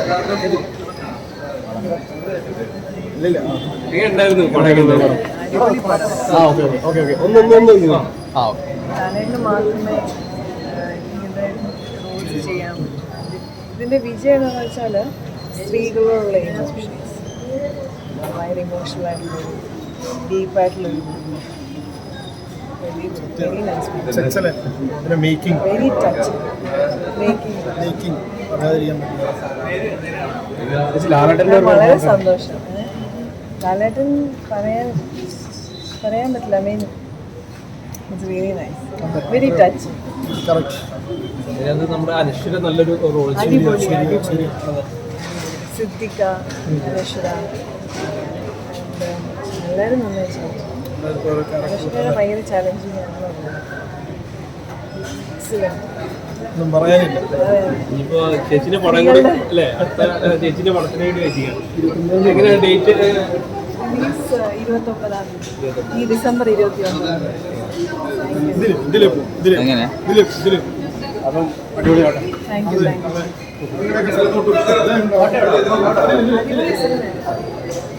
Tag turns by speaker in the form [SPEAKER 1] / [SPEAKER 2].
[SPEAKER 1] മാത്രമേ ഇങ്ങനെ റോൾസ് ചെയ്യാൻ. ഇതിൻ്റെ വിജയം എന്താണെന്ന് വെച്ചാൽ സ്ത്രീകളോടുള്ള ഇമോഷൻസ് ഭയങ്കര ഇമോഷണൽ ആയിട്ടുള്ളൊരു ഡീപ്പായിട്ടുള്ളൊരു very nice, very touch making. വളരെ സന്തോഷം. ലാലേട്ടൻ പറയാൻ പറ്റില്ല. I mean it's very nice, very touch. അടിപൊളി. സിദ്ദിഖ, അനശ്വര എല്ലാവരും നന്നായി ചെയ്തു. അനശ്വര ഭയങ്കര ചാലഞ്ചിങ് ആണ്.
[SPEAKER 2] ചേച്ചിന്റെ പടം കൂടി അല്ലേ, ചേച്ചിന്റെ പടത്തിന് വേണ്ടി വെച്ചിരിക്കുകയാണ്. എങ്ങനെയാണ് ഡേറ്റ്?
[SPEAKER 1] 29 ഈ ഡിസംബർ 29.
[SPEAKER 2] അപ്പം അടിപൊളിയാട്ടെ.
[SPEAKER 1] Thank you.